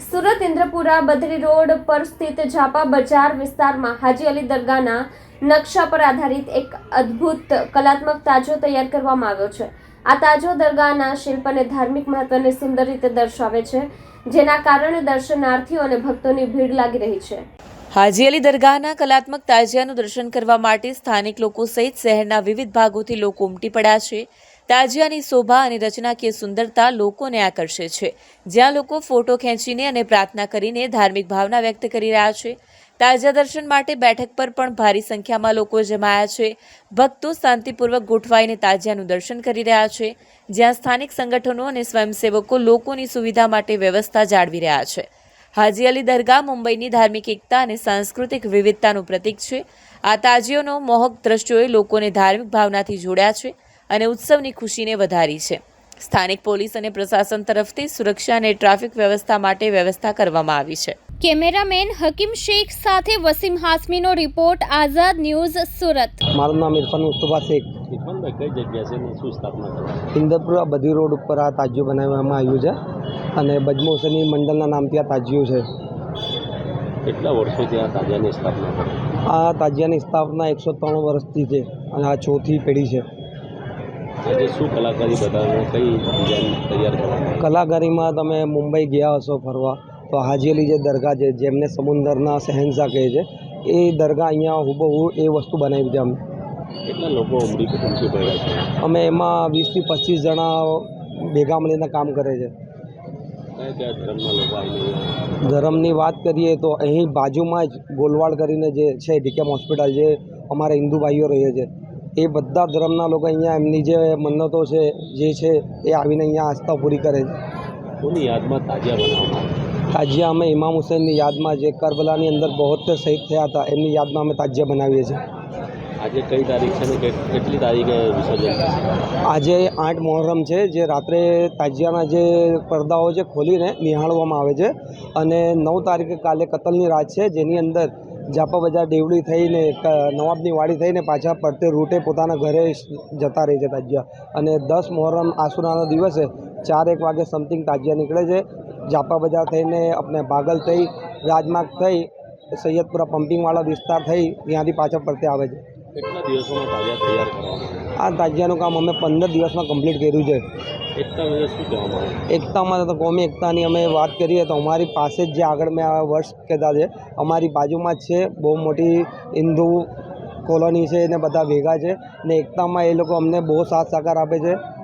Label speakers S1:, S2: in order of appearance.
S1: Surat ઇન્દ્રપુરા Badri road પર સ્થિત ઝાપા બજાર વિસ્તારમાં હાજી અલી દરગાહના નકશા પર આધારિત એક અદ્ભુત કલાત્મક તાજો તૈયાર કરવામાં આવ્યો છે। આ તાજો દરગાહના શિલ્પ અને ધાર્મિક મહત્વને સુંદર રીતે દર્શાવે છે, જેના કારણે દર્શનાર્થીઓ અને ભક્તોની ભીડ લાગી રહી છે।
S2: હાજી અલી દરગાહના કલાત્મક તાજિયાનું દર્શન કરવા માટે સ્થાનિક લોકો સહિત શહેરના વિવિધ ભાગોથી લોકો ઉમટી પડ્યા છે। તાજિયાની શોભા અને રચનાકીય સુંદરતા લોકોને આકર્ષે છે, જ્યાં લોકો ફોટો ખેંચીને અને પ્રાર્થના કરીને ધાર્મિક ભાવના વ્યક્ત કરી રહ્યા છે। તાજિયા દર્શન માટે બેઠક પર પણ ભારી સંખ્યામાં લોકો જમાયા છે। ભક્તો શાંતિપૂર્વક ગોઠવાઈને તાજિયાનું દર્શન કરી રહ્યા છે, જ્યાં સ્થાનિક સંગઠનો અને સ્વયંસેવકો લોકોની સુવિધા માટે વ્યવસ્થા જાળવી રહ્યા છે। હાજી અલી દરગાહ મુંબઈની ધાર્મિક એકતા અને સાંસ્કૃતિક વિવિધતાનું પ્રતીક છે। આ તાજિયોનો મોહક દ્રશ્યોએ લોકોને ધાર્મિક ભાવનાથી જોડ્યા છે અને ઉત્સવની ખુશીને વધારી છે। સ્થાનિક પોલીસ અને પ્રશાસન તરફથી સુરક્ષા અને ટ્રાફિક વ્યવસ્થા માટે વ્યવસ્થા કરવામાં આવી છે।
S1: કેમેરામેન હકીમ શેખ સાથે વસીમ હાસમીનો રિપોર્ટ, આઝાદ ન્યૂઝ, સુરત।
S3: મારું નામ ઇરફાન મુસ્તફા શેખ।
S4: ઇરફાનભાઈ, કઈ જગ્યા છે ને શું સ્થાપના કરી?
S3: ઇન્દ્રપુરા બધી રોડ ઉપર આ તાજિયું બનાવવામાં આવ્યું છે અને બજમોસની મંડળના નામથી આ તાજિયું છે।
S4: કેટલા વર્ષોથી આ તાજિયાની સ્થાપના કરી?
S3: આ તાજિયાની સ્થાપના 103 વર્ષથી છે અને આ ચોથી પેઢી છે।
S4: આજે શું કલાકારી બતાવે, કઈ ડિઝાઇન તૈયાર કરવામાં?
S3: કલાકારીમાં તમે મુંબઈ ગયા હશો ફરવા તો હાજી અલી જે દરગાહ છે, જેમને સમુંદરના શહેનશાહ કહે છે, એ દરગાહ અહીંયા હુબહુ એ વસ્તુ બનાવી છે। અમે
S4: કેટલા લોકો ઉમટી પડ્યા છે?
S3: અમે એમાં 20 થી 25 જણા ભેગા મળીને કામ કરે છે।
S4: કયા કયા ધર્મના લોકો આવીને?
S3: ધર્મની વાત કરીએ તો અહીં બાજુમાં જ ગોલવાડ કરીને જે છે ડીકેમ હોસ્પિટલ, જે અમારા હિન્દુ ભાઈઓ રહે છે, એ બધા ધર્મના લોકો અહીંયા એમની જે મન્નતો છે જે છે એ આવીને અહીંયા આસ્થા પૂરી કરે છે।
S4: કોની યાદમાં તાજિયા બનાવવામાં?
S3: તાજિયા અમે ઇમામ હુસૈનની યાદમાં, જે કરબલાની અંદર 72 શહીદ થયા હતા, એમની યાદમાં અમે તાજિયા બનાવીએ છીએ।
S4: આજે કઈ તારીખ છે ને કેટલી તારીખે વિસર્જન થશે?
S3: આજે 8 મોહરમ છે, જે રાત્રે તાજિયાના જે પડદાઓ છે ખોલીને નિહાળવામાં આવે છે અને 9 તારીખે કાલે કતલની રાત છે, જેની અંદર ઝાપા બજાર દેવડી થઈને નવાબની વાડી થઈને પાછા પડતે રૂટે પોતાના ઘરે જતા રહે છે તાજિયા। અને 10 મોહરમ આસુરાના દિવસે 4-1 વાગે સમથિંગ તાજિયા નીકળે છે, ઝાપા બજાર થઈને આપણે ભાગલ થઈ, રાજમાર્ગ થઈ, સૈયદપુરા પમ્પિંગવાળા વિસ્તાર થઈ, ત્યાંથી પાછા પડતે આવે છે।
S4: કેટલા દિવસોમાં તાજિયા તૈયાર કરવામાં?
S3: આ તાજિયાનું કામ અમે 15 દિવસમાં કમ્પ્લીટ કર્યું છે।
S4: એકતા વિશે શું કહેવામાં આવે?
S3: એકતામાં તો કોમી એકતાની અમે વાત કરીએ તો અમારી પાસે જ જે આગળ મેં આ વર્ષ કહેતા છે, અમારી બાજુમાં જ છે બહુ મોટી હિન્દુ કોલોની છે, એને બધા ભેગા છે ને એકતામાં એ લોકો અમને બહુ સાથ સહકાર આપે છે।